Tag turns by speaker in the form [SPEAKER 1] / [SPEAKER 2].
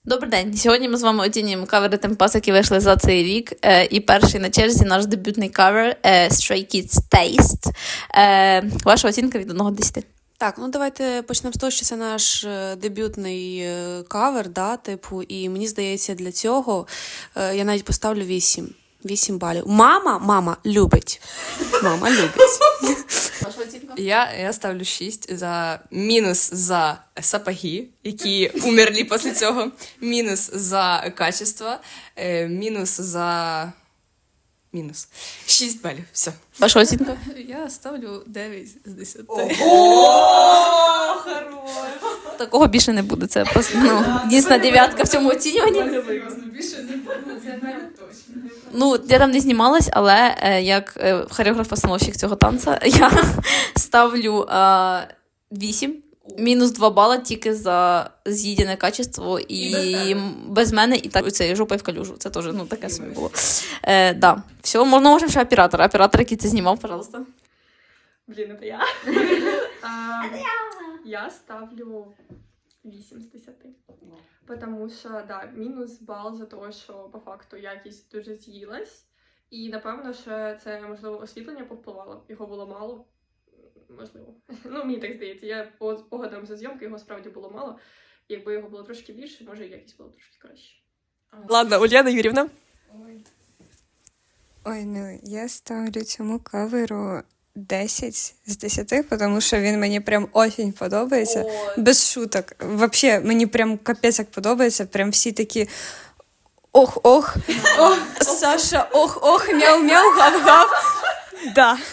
[SPEAKER 1] Добрий день. Сьогодні ми з вами оцінюємо кавери Темпас, які вийшли за цей рік. І перший на черзі наш дебютний кавер Stray Kids Taste. Ваша оцінка від 1 до 10.
[SPEAKER 2] Так, ну давайте почнемо з того, що це наш дебютний кавер, да, типу, і мені здається, для цього я навіть поставлю 8. 8 балів. Мама любить. Мама любить.
[SPEAKER 1] Ваша оцінка?
[SPEAKER 3] Я ставлю 6 за мінус за сапоги, які умерли після цього, мінус за качество, мінус за... Мінус. 6 балів, все.
[SPEAKER 1] Ваша оцінка?
[SPEAKER 3] Я ставлю 9 з 10.
[SPEAKER 1] Такого більше не буде. Це дійсна дев'ятка в цьому оцінюванні. Ну, я там не знімалась, але як хореограф-постановщик цього танця, я ставлю 8. Мінус 2 бала тільки за з'їдене качество і без мене, і так це жопою в калюжу. Це теж, таке собі було. Да. Все, можемо ще оператора. Оператор, який це знімав, пожалуйста.
[SPEAKER 4] Блін, це я. Я ставлю 8 з 10. Потому що, да, мінус бал за те, що по факту якість дуже з'їлась. І, напевно, що це, можливо, освітлення повпливало. Його було мало. Можливо. Ну, мені так здається. Я по спогадам за зйомки його справді було мало. Якби його було трошки більше, може, і якість була трошки краще.
[SPEAKER 3] Ладно, Ульяна Юрівна.
[SPEAKER 5] Ой, ну я ставлю цьому каверу 10 з 10, тому що він мені прям очень подобається. Без шуток. Вообще, мені прям капець як подобається. Прям всі такі ох-ох. Саша, ох-ох, мяу-мяу, гав-гав. Да.